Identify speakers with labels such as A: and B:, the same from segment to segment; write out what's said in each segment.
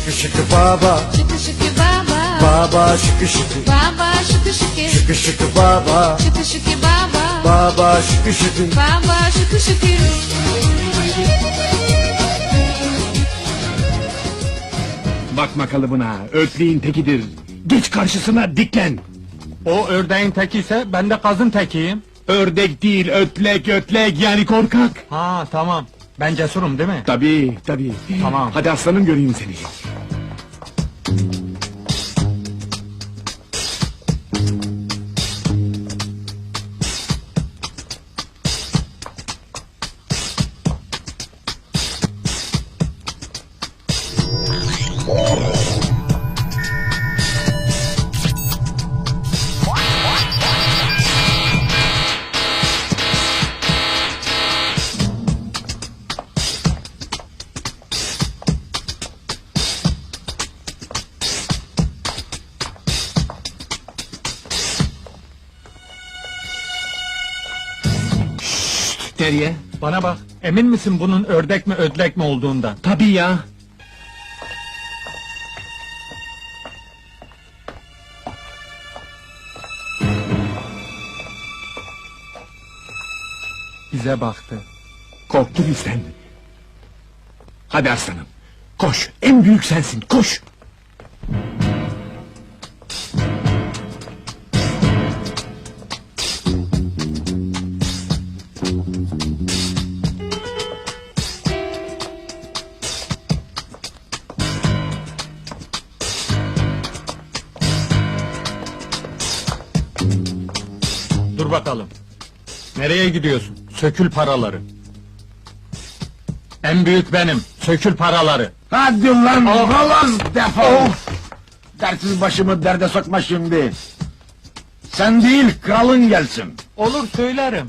A: Şıkı şıkı baba,
B: Şıkı şıkı baba,
A: baba şıkı şıkı.
B: baba şıkı şıkı,
A: Şıkı şıkı baba,
B: şıkı şıkı baba,
A: baba şıkı şıkı.
B: baba şıkı şıkı.
C: Bakma kalıbına, ötleğin tekidir. Geç karşısına, diklen.
D: O ördeğin teki ise ben de kazın tekiyim.
C: Ördek değil, ötlek, ötlek, yani korkak.
D: Ha tamam. Ben cesurum değil mi?
C: Tabii, tabii.
D: Tamam.
C: Hadi aslanım, göreyim seni. Nereye?
D: Bana bak. Emin misin bunun ördek mi ödlek mi olduğundan?
C: Tabii ya.
D: Bize baktı.
C: Korktu bizden. Hadi aslanım, koş, en büyük sensin, koş!
D: Dur bakalım. Nereye gidiyorsun? Sökül paraları. En büyük benim. Sökül paraları.
E: Hadi lan oğlan defol! Dersiz başımı derde sokma şimdi! Sen değil, kralın gelsin!
D: Olur söylerim.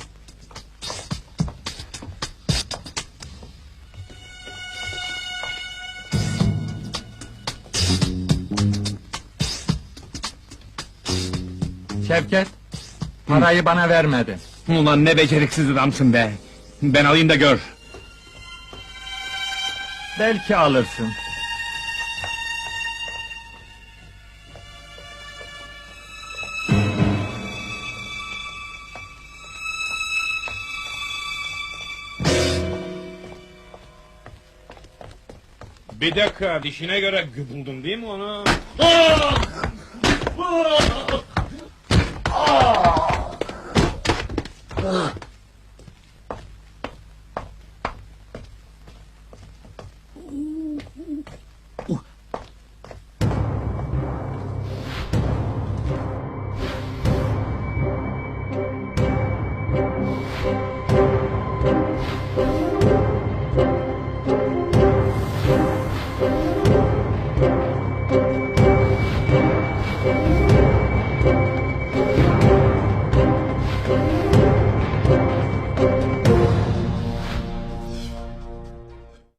D: Şevket, parayı bana vermedi.
C: Ulan ne beceriksiz adamsın be! Ben alayım da gör!
D: Belki alırsın.
F: Bir dakika, dişine göre buldun değil mi onu?